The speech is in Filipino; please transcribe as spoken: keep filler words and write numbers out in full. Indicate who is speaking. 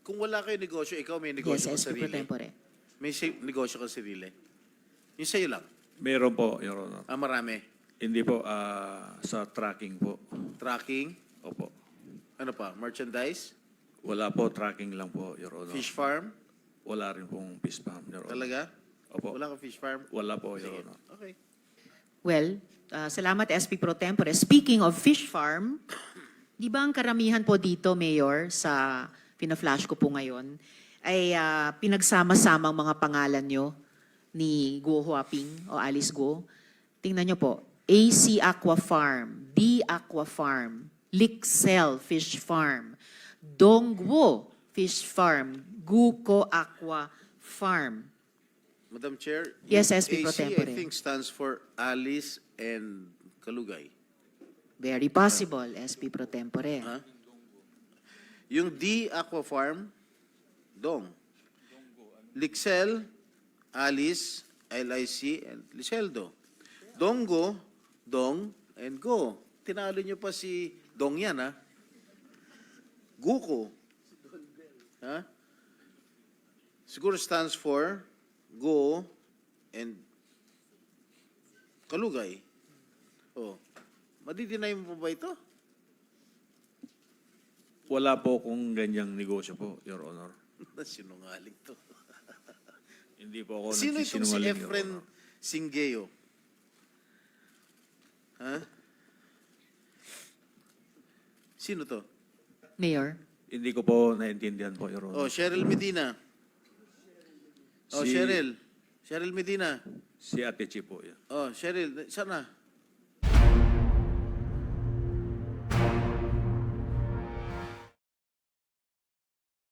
Speaker 1: kung wala kayo negosyo, ikaw may negosyo
Speaker 2: Yes,
Speaker 1: ka
Speaker 2: S P Pro
Speaker 1: sarili.
Speaker 2: Tempore.
Speaker 1: May si- negosyo ka sarili. Yung sa'yo lang.
Speaker 3: Meron po, Your Honor.
Speaker 1: Ah, marami.
Speaker 3: Hindi po, ah, sa tracking po.
Speaker 1: Tracking.
Speaker 3: Opo.
Speaker 1: Ano pa? Merchandise?
Speaker 3: Wala po, tracking lang po, Your Honor.
Speaker 1: Fish farm?
Speaker 3: Wala rin pong fish farm, Your Honor.
Speaker 1: Talaga?
Speaker 3: Opo.
Speaker 1: Wala kang fish farm?
Speaker 3: Wala po, Your
Speaker 1: Sige.
Speaker 3: Honor.
Speaker 1: Okay.
Speaker 2: Well, uh, salamat S P Pro Tempore. Speaking of fish farm, di ba ang karamihan po dito, Mayor, sa pina-flash ko po ngayon, ay uh, pinagsama-samang mga pangalan nyo ni Guo Huaping o Alice Guo. Tingnan nyo po, A C Aqua Farm, D Aqua Farm, Lixel Fish Farm, Dongguo Fish Farm, Guko Aqua Farm.
Speaker 1: Madam Chair,
Speaker 2: Yes,
Speaker 1: yung
Speaker 2: S P Pro
Speaker 1: A C,
Speaker 2: Tempore.
Speaker 1: I think, stands for Alice and Kalugay.
Speaker 2: Very possible, S P Pro Tempore.
Speaker 1: Ha? Yung D Aqua Farm, Dong. Lixel, Alice, L I C, and Liceldo. Donggo, Dong, and Go. Tinalo nyo pa si Dong yan, ha? Guko. Ha? Siguro stands for Go and Kalugay. Oh. Madidinay mo pa ba ito?
Speaker 3: Wala po kung ganyang negosyo po, Your Honor.
Speaker 1: Sinungaling to.
Speaker 3: Hindi po ako
Speaker 1: Sino itong si
Speaker 3: nagsisinungaling, Your
Speaker 1: Efren
Speaker 3: Honor.
Speaker 1: Singeo? Ha? Sino to?
Speaker 2: Mayor?
Speaker 3: Hindi ko po naintindihan po, Your
Speaker 1: Oh,
Speaker 3: Honor.
Speaker 1: Cheryl Medina. Oh,
Speaker 3: Si-
Speaker 1: Cheryl. Cheryl Medina.
Speaker 3: Si Ate Chi po yan.
Speaker 1: Oh, Cheryl. Sana?